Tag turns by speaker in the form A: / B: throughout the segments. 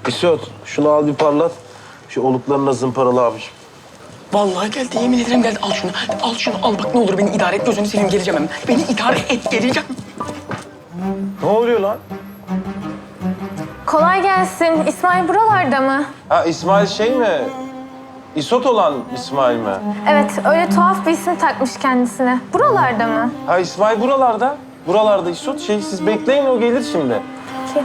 A: İsot, şunu al bir parlat. Şu oluklarına zımparalı abiciğim.
B: Vallahi geldi, yemin ederim geldi. Al şunu, al şunu, al bak ne olur beni idare et. Gözünü seveyim, geleceğim hemen. Beni idare et, geleceğim.
A: Ne oluyor lan?
C: Kolay gelsin. İsmail buralarda mı?
A: Ha İsmail şey mi? İsot olan İsmail mi?
C: Evet, öyle tuhaf bir isim takmış kendisine. Buralarda mı?
A: Ha İsmail buralarda. Buralarda İsot. Siz bekleyin o gelir şimdi.
C: Ki.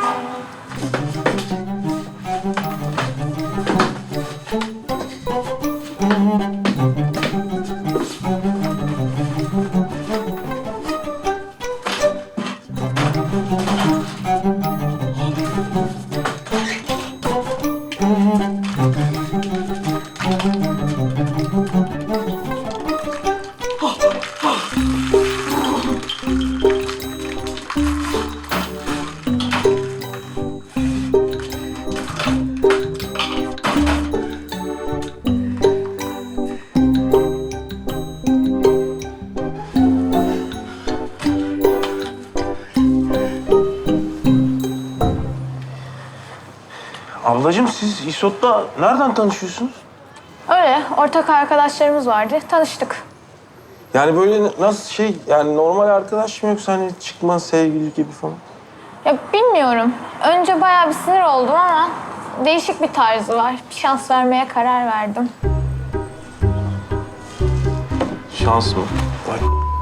A: Ablacığım siz İsot'la nereden tanışıyorsunuz?
C: Öyle, ortak arkadaşlarımız vardı. Tanıştık.
A: Yani böyle nasıl yani normal arkadaş mı yoksa hani çıkma sevgili gibi falan?
C: Ya bilmiyorum. Önce bayağı bir sinir oldum ama değişik bir tarzı var. Bir şans vermeye karar verdim.
A: Şans mı? Vay.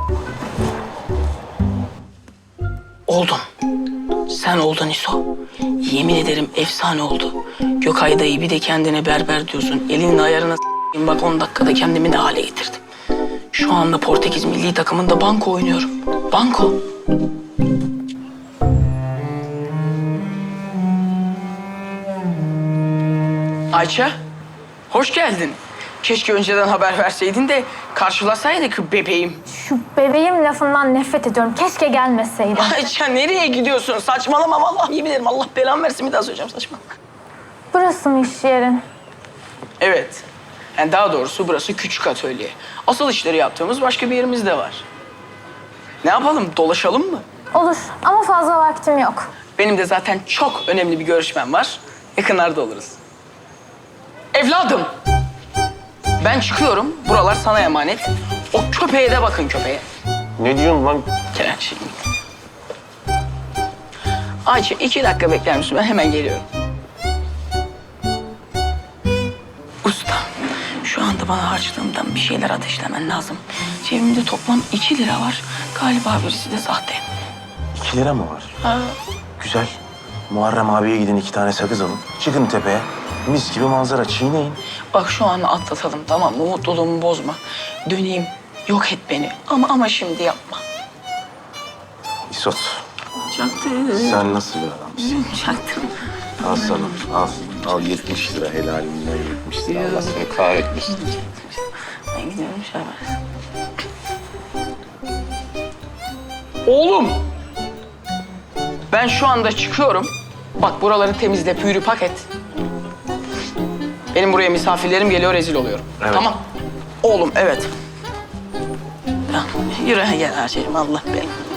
B: Oldum. Sen oldun İso. Yemin ederim efsane oldu. Gökay dayı bir de kendine berber diyorsun. Elinin ayarına s**eyim. Bak 10 dakikada kendimi ne hale getirdim. Şu anda Portekiz milli takımında banko oynuyorum. Banko. Ayça, hoş geldin. Keşke önceden haber verseydin de karşılasaydık bebeğim.
C: Şu bebeğim lafından nefret ediyorum. Keşke gelmeseydim.
B: Ayça nereye gidiyorsun? Saçmalama vallahi yemin ederim. Allah belamı versin bir daha söyleyeceğim saçmalama.
C: Burası mı iş yerin?
B: Evet. Yani daha doğrusu burası küçük atölye. Asıl işleri yaptığımız başka bir yerimiz de var. Ne yapalım? Dolaşalım mı?
C: Olur ama fazla vaktim yok.
B: Benim de zaten çok önemli bir görüşmem var. Yakınlarda oluruz. Evladım! Ben çıkıyorum. Buralar sana emanet. O köpeğe de bakın köpeğe.
A: Ne diyorsun lan?
B: Kerem şey. Ayça 2 dakika bekler misin? Ben hemen geliyorum. Usta, şu anda bana harçlığımdan bir şeyler ateşlemen lazım. Cebimde toplam 2 lira var. Galiba birisi de sahte.
A: 2 lira mı var?
B: Ha.
A: Güzel. Muharrem abiye gidin 2 tane sakız alın. Çıkın tepeye. Mis gibi manzara çiğneyin.
B: Bak şu an atlatalım tamam mı? Mutluluğumu bozma. Döneyim, yok et beni. Ama şimdi yapma.
A: İsot,
B: Çaktım.
A: sen nasıl bir adamsın?
B: Çaktım.
A: Al sana, al. Al 70 lira helalinden 70 lira. Allah seni kahretmesin.
B: Ben gidiyorum Şahbaz. Oğlum! Ben şu anda çıkıyorum. Bak buraları temizle, pürü paket. Benim buraya misafirlerim geliyor, rezil oluyorum.
A: Evet.
B: Tamam. Oğlum, evet. Ya, yürü gel Ayşe'cim, Allah belanı.